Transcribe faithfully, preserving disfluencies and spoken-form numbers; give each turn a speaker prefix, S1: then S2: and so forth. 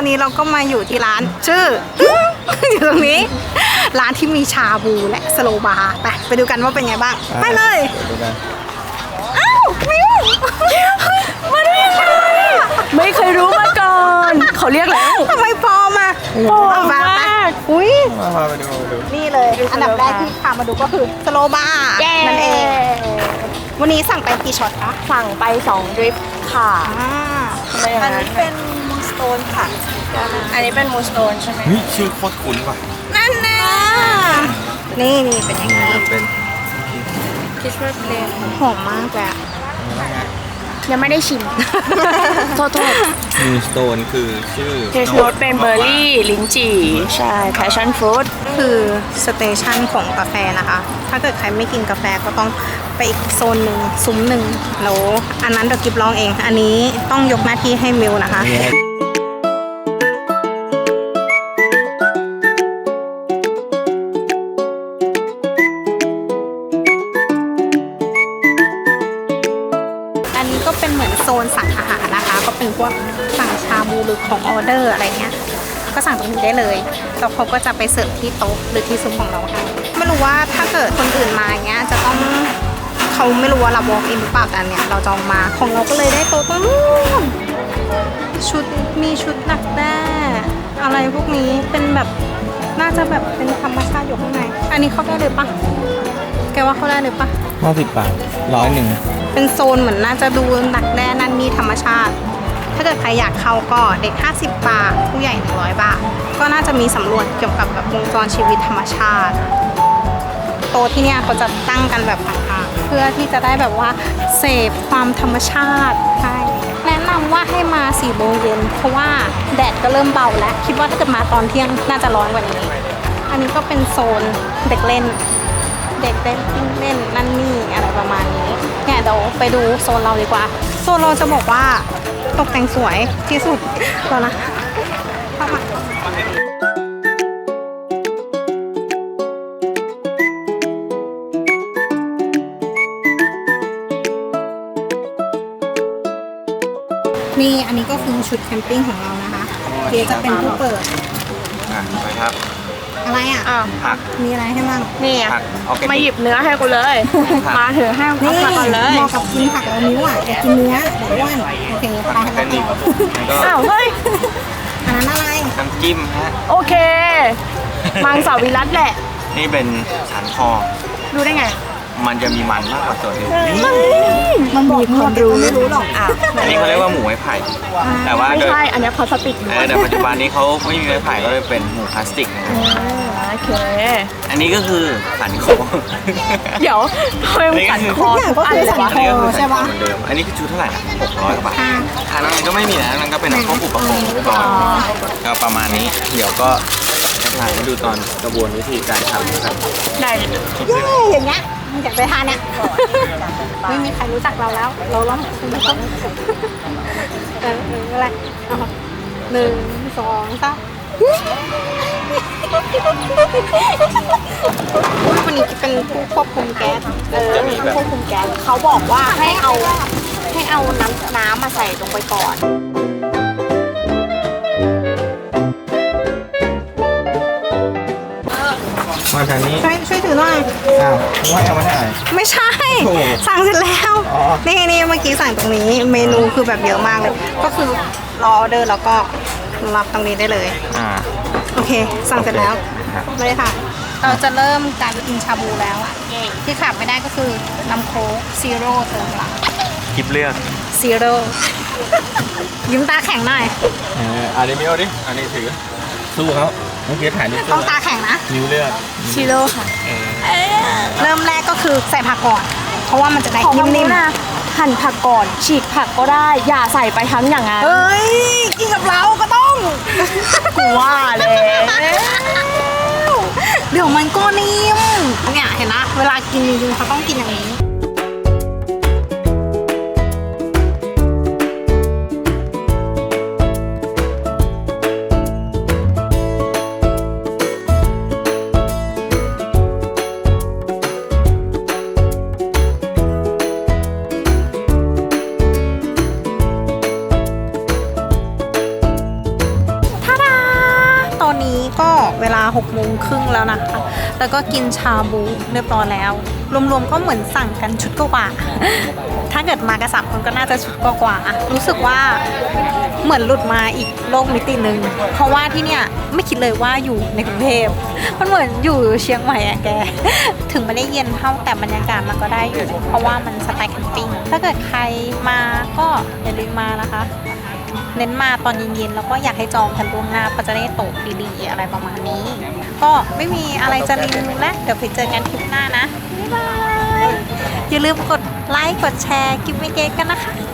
S1: อนนี้เราก็มาอยู่ที่ร้านชื่อ อยู่ตรงนี้ร้านที่มีชาบูและสโลบาร์ไปไปดูกันว่าเป็นไงบ้างไปเลยอ้าวมิวมาได้ยังไง
S2: ไม่เคยรู้มาก่อนเขาเรียกแล้ว
S1: ทำไมปลอมอ่ะ
S2: ปลอมมาก
S1: อุ้ย
S3: มาไปดูดู
S1: นี่เลยอันดับแรกที่พามาดูก็คือสโลบาร์นั่นเองวันนี้สั่งไปกี่ช็อตคะ
S2: สั่งไปสองดริฟค่ะ
S1: อันนี้เป็นมูสโตนค่ะ
S2: อันนี้เป็นมูสโตนใช่ไหม
S3: เฮ้ยชื่อโคตรคุ้นว่ะ
S1: นั่นนะนี่นี่เป็นอย่างนี้
S3: เป็น
S2: คิชเวอร์เพลน
S1: หอมมากเลย
S2: ยังไม่ได้ชิมโทษโทษ
S3: มูสโตนคือชื่อ
S2: เทสโนตเป็นเบอร์รี่ลิ้นจี่ใช่แพชชั่นฟรุต
S1: คือสเตชันของกาแฟนะคะถ้าเกิดใครไม่กินกาแฟก็ต้องไปอีกโซนหนึ่งซุ้มหนึ่งแล้วอันนั้นเดี๋ยวกิบลองเองอันนี้ต้องยกหน้าที่ให้มิวนะคะก็เป็นเหมือนโซนสั่งอาหารนะคะก็เป็นพวกสั่งชาบูหรือของออเดอร์อะไรเงี้ยก็สั่งตรงนี้ได้เลยแล้วเขาก็จะไปเสิร์ฟที่โต๊ะหรือที่ซุ้มของเราค่ะไม่รู้ว่าถ้าเกิดคนอื่นมาเงี้ยจะต้องเขาไม่รู้ว่าเรา walk in หรือเปล่าแต่เนี่ยเราจองมาของเราก็เลยได้โต๊ะตรงนู้นชุดมีชุดหนักแด้อะไรพวกนี้เป็นแบบน่าจะแบบเป็นธรรมชาติอยู่ข้างในอันนี้เข้าได้เลยปะแกว่าเข้าได้เลยปะ
S3: ห้าสิบบาทร้อยหนึ่ง
S1: เป็นโซนเหมือนน่าจะดูหนักแน่นั่นมีธรรมชาติถ้าเกิดใครอยากเข้าก็เด็กห้าสิบบาทผู้ใหญ่หนึ่งร้อยบาทก็น่าจะมีสำรวจเกี่ยวกับแบบวงจรชีวิตธรรมชาติโต๊ะที่เนี่ยเขาจะตั้งกันแบบห่างๆเพื่อที่จะได้แบบว่าเสพความธรรมชาติใช่แนะนำว่าให้มาสี่โมงเย็นเพราะว่าแดดก็เริ่มเบาแล้วคิดว่าถ้าเกิดมาตอนเที่ยงน่าจะร้อนกว่านี้อันนี้ก็เป็นโซนเด็กเล่นเด็กเล่นเล่นนั่นนี่อะไรประมาณนี้เนี่ยเดี๋ยวไปดูโซนเราดีกว่าโซนเราจะบอกว่าตกแต่งสวยที่สุดแล้วนะเข้ามานี่อันนี้ก็คือชุดแคมปิ้งของเรานะคะเดี๋ยวจะเป็นผู้เปิด
S3: อ่ะไปครับ
S1: อะไรอ่ะ
S3: ผัก
S1: มีอะไรให้บ้าง
S2: นี่มาหยิบเนื้อให้กูเลยมาถือให้กูก่อนเลย
S1: เหมาะกับกินผักแล้วนิ้วอ่ะจะกินเนื้อเดี๋ยวอ้วนโอเคไปแล้ว
S3: ก็
S2: อ้าวเฮ้ย
S1: อันนั้นอะไร
S3: น้ำจิ้มฮะ
S2: โอเคมังสวิรัติแหละ
S3: นี่เป็นสันคอ
S2: ดูได้ไง
S3: มันจะมีมันมากกว่าตัวอื่น
S1: มันบอกคนรู้ไม่รู้หรอกอ่ะ
S3: อันนี้เขาเรียกว่าหมูไม้ไผ่แต่ว่า
S2: ไม่ใช่อันนี้พลาสติก
S3: แต่ปัจจุบันนี้เขาไม่มีไม้ไผ่ก็เลยเป็นหมูพลาสติกนะ
S2: โอเค
S3: อันนี้ก็คือสันคอ
S2: เดี๋ยวทำไมมันสันคอ
S1: อะไรสันคอใช่ปะ
S3: อันนี้คือชุดเท่าไหร่นะหกร้อยกว่าบาททางนั้นก็ไม่มีนะนั่นก็เป็นพวกอุปกรณ์ก่อนก็ประมาณนี้เดี๋ยวก็ถ่ายให้ดูตอนกระบวนวิธีการทำนะครับ
S2: ได้
S1: เย้อย่างเงี้ยอยากไปทานเนี่ยไม่มีใครรู้จักเราแล้วเราล้อมคุณไม่ต้องเอออะไรหนึ่งสองสามวันนี้จะเป็นผู้ควบคุมแก๊สเออผู้ควบคุมแก๊สเขาบอกว่าให้เอาให้เอาน้ำน้ำมาใส่ลงไปก่อน
S3: มาทางนี้
S1: ช่วยช่วยถือหน่อย
S3: อ้าวว่ายังไม่ได้
S1: ไม่ใช่สั่งเสร็จแล้วนี่นี่เมื่อกี้สั่งตรงนี้เมนูคือแบบเยอะมากเลยก็คือรอออเดอร์แล้วก็รับตรงนี้ได้เลย
S3: อ่า
S1: โอเคสั่งเสร็จแล้วเลยค่ะเราจะเริ่มการกินชาบูแล้วที่ขาดไม่ได้ก็คือน้ำโค้กซีโร่เติมหลัง
S3: คลิปเลือก
S1: ซีโร่ยิ้มตาแข็งหน่อย
S3: เอออันนี้ไม่เอาดิอันนี้ถือสู้เขาเมื่อกี้ถ่ายนิ้ว
S1: ต้องตาแข็งนะ
S3: นิ้วเลือก
S2: ซีโร่ค่ะ
S1: เริ่มแรกก็คือใส่ผักก่อนเพราะว่ามันจะได้นิ่มๆนะ
S2: หั่นผักก่อนฉีกผักก็ได้อย่าใส่ไปทั้งอย่างนั้น
S1: เฮ้ยกินกับเราก็ต้อง
S2: กูว่าเลย
S1: เดี๋ยวมันก็นิ่มเนี่ยเห็นนะเวลากินจริงๆเขาต้องกินอย่างนี้เวลาหกโมงครึ่งแล้วนะคะ แล้วก็กินชาบูเรียบร้อยแล้ว รวมๆก็เหมือนสั่งกันชุดกว่าๆถ้าเกิดมากันสามคนก็น่าจะชุดกว่าๆรู้สึกว่าเหมือนหลุดมาอีกโลกมิติหนึ่งเพราะว่าที่เนี่ยไม่คิดเลยว่าอยู่ในกรุงเทพมันเหมือนอยู่เชียงใหม่อะแก ถึงไม่ได้เย็นเท่าแต่บรรยากาศมันก็ได้อยู่เพราะว่ามันสไตล์แคมปิ้งถ้าเกิดใครมาก็อย่าลืมมานะคะ เน้นมาตอนเย็นๆแล้วก็อยากให้จองกันล่วงหน้าเพราะจะได้โต๊ะดีๆอะไรประมาณนี้ ก็ไม่มีอะไรจะรีวิวแล้วเดี๋ยวไปเจอกันคลิปหน้านะบ๊ายบายอย่าลืมกดไลค์กดแชร์คลิปวิดีโอกันนะคะ